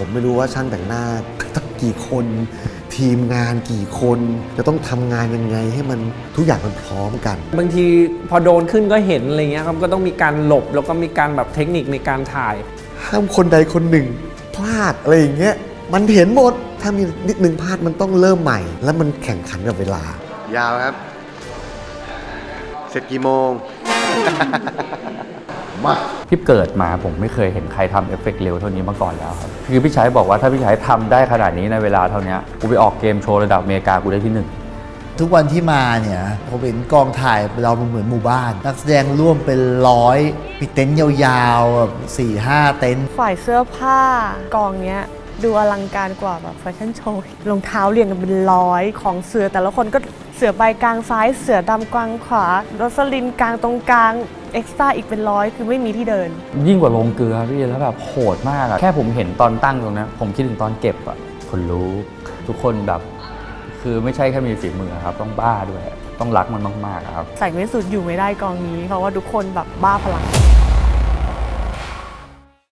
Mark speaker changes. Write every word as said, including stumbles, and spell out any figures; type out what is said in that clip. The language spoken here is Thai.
Speaker 1: ผมไม่รู้ว่าช่างแต่งหน้าต้องกี่คนทีมงานกี่คนจะต้องทำงานยังไงให้มันทุกอย่างมันพร้อมกัน
Speaker 2: บางทีพอโดนขึ้นก็เห็นอะไรเงี้ยครับก็ต้องมีการหลบแล้วก็มีการแบบเทคนิคในการถ่าย
Speaker 1: ห้ามคนใดคนหนึ่งพลาดอะไรอย่างเงี้ยมันเห็นหมดถ้ามีนิดนึงพลาดมันต้องเริ่มใหม่แล้วมันแข่งขันกับเวลายาวครับเสร็จกี่โมง
Speaker 3: มาพี่เกิดมาผมไม่เคยเห็นใครทำเอฟเฟกต์เร็วเท่านี้มาก่อนแล้วครับคือพี่ชัยบอกว่าถ้าพี่ชัยทำได้ขนาดนี้ในเวลาเท่านี้กูไปออกเกมโชว์ระดับอเมริกากูได้ที่หนึ่ง
Speaker 4: ทุกวันที่มาเนี่ยผมเห็นกองถ่ายเราเหมือนหมู่บ้านนักแสดงร่วมเป็นร้อยมีเต็นท์ยาวๆแบบสี่ห้าเต็นท์
Speaker 5: ฝ่ายเสื้อผ้ากองเนี้ยดูอลังการกว่าแบบแฟชั่นโชว์รองเท้าเรียงกันเป็นร้อยของเสือแต่ละคนก็เสือใบกลางซ้ายเสือดำกลางขวาโรสลินกลางตรงกลางเอ็กซ์ตร้าอีกเป็นร้อยคือไม่มีที่เดิน
Speaker 3: ยิ่งกว่าลงเกลือพี่แล้วแบบโหดมากอะแค่ผมเห็นตอนตั้งตรงนั้นผมคิดถึงตอนเก็บอะคนรู้ทุกคนแบบคือไม่ใช่แค่มีฝีมือครับต้องบ้าด้วยต้องรักมันมากๆครับ
Speaker 5: ใส่ไม่สุดอยู่ไม่ได้กองนี้เพราะว่าทุกคนแบบบ้าพลัง